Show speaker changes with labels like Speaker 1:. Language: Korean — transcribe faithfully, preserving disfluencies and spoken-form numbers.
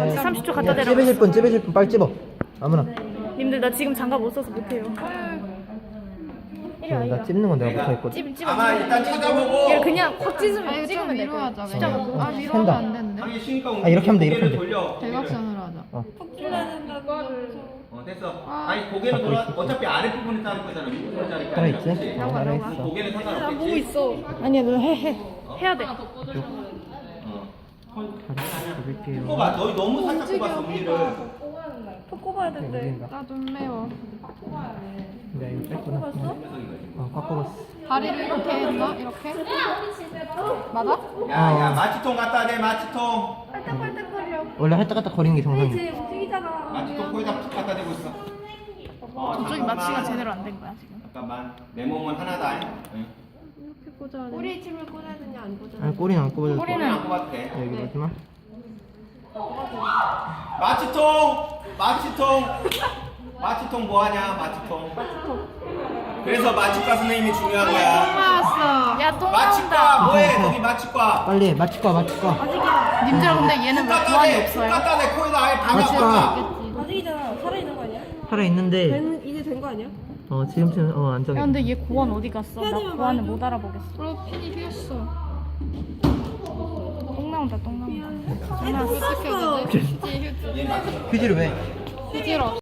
Speaker 1: 삼십 초 갖다 대라.
Speaker 2: 찝으실 분 찝으실 분 빨리 찝어. 아무나.
Speaker 1: 님들 나 지금 장갑 못 써서 못해요.
Speaker 2: 나 찝는 건 내가 못하겠거든.
Speaker 1: 찝 찝어.
Speaker 3: 아마 일단 찾아보고.
Speaker 1: 얘 그냥 확 찢으면
Speaker 4: 아니
Speaker 1: 찍으면
Speaker 4: 좀
Speaker 1: 될
Speaker 4: 위로
Speaker 1: 거야.
Speaker 4: 하자.
Speaker 1: 숫자
Speaker 4: 왜냐면
Speaker 1: 갖고.
Speaker 4: 아 위로
Speaker 2: 센다.
Speaker 4: 하면 안 되는데.
Speaker 3: 당연히 쉬니까
Speaker 2: 아, 이렇게 하면 돼, 이렇게 하면 돼.
Speaker 3: 돌려.
Speaker 4: 대각선으로 하자.
Speaker 2: 어.
Speaker 3: 어 됐어. 아니 고개는 돌아. 어차피 아래 부분에 자를 거잖아. 윗부분에 자를 거 아니야.
Speaker 2: 살아있지? 어, 살아있어.
Speaker 3: 고개는
Speaker 1: 나 보고
Speaker 3: 상관없겠지.
Speaker 1: 있어. 아니야 너 해 해. 해야 돼.
Speaker 3: 어.
Speaker 2: 잡을게요.
Speaker 3: 꼽아. 너 너무 살짝 꼽았어 우리를.
Speaker 1: 톡 꼽아야 된대.
Speaker 4: 나 좀 매워.
Speaker 2: 내가 이거 뺐구나. 어, 꽉 꼽았어.
Speaker 4: 다리를 이렇게 했나? 이렇게? 맞아?
Speaker 3: 야야 마취통 갖다 대 마취통.
Speaker 2: 원래 할딱할딱 거리는 게 정상이야.
Speaker 3: 마취통 코에다 툭 갖다 대고 있어. 어,
Speaker 1: 저쪽이
Speaker 3: 잠깐만.
Speaker 1: 마취가 제대로 안 된 거야 지금.
Speaker 3: 잠깐만. 내 몸은 하나다. 응.
Speaker 5: 꼬리에 침을 꽂아야 되냐 안 꽂아야 되냐.
Speaker 2: 아니, 꼬리는 안 꼽아도 돼.
Speaker 3: 꼬리는 안 꼽아도 돼.
Speaker 2: 여기 보지마.
Speaker 3: 마취통! 마취통! 마취통 뭐하냐 마취통. 그래서 마취과 선생님이 중요한 거야.
Speaker 4: 나왔어.
Speaker 1: 야똥
Speaker 3: 마취과
Speaker 1: 나온다.
Speaker 3: 뭐해 거기 마취과.
Speaker 2: 빨리 해. 마취과, 마취과.
Speaker 1: 님들아 근데 얘는 왜
Speaker 3: 갖다
Speaker 1: 보안이
Speaker 3: 대,
Speaker 1: 없어요?
Speaker 3: 갖다 대 코에다 아예 다
Speaker 2: 마취과.
Speaker 3: 갖고
Speaker 5: 아직이잖아. 살아있는 거 아니야?
Speaker 2: 살아있는데,
Speaker 5: 된, 이제 된 거 아니야?
Speaker 2: 어, 지금쯤, 어, 안정해.
Speaker 1: 야 근데 얘 고안 어디 갔어? 나
Speaker 5: 해야지만
Speaker 1: 고안을
Speaker 5: 말해줘.
Speaker 1: 못 알아보겠어.
Speaker 4: 그리고 핀이 휘었어.
Speaker 1: 똥 나온다 똥 나온다.
Speaker 5: 애도
Speaker 4: 어떻게
Speaker 5: 쌌어.
Speaker 4: 해야 되지? 휴지 휴지.
Speaker 2: 휴지를 왜?
Speaker 4: 휴지로.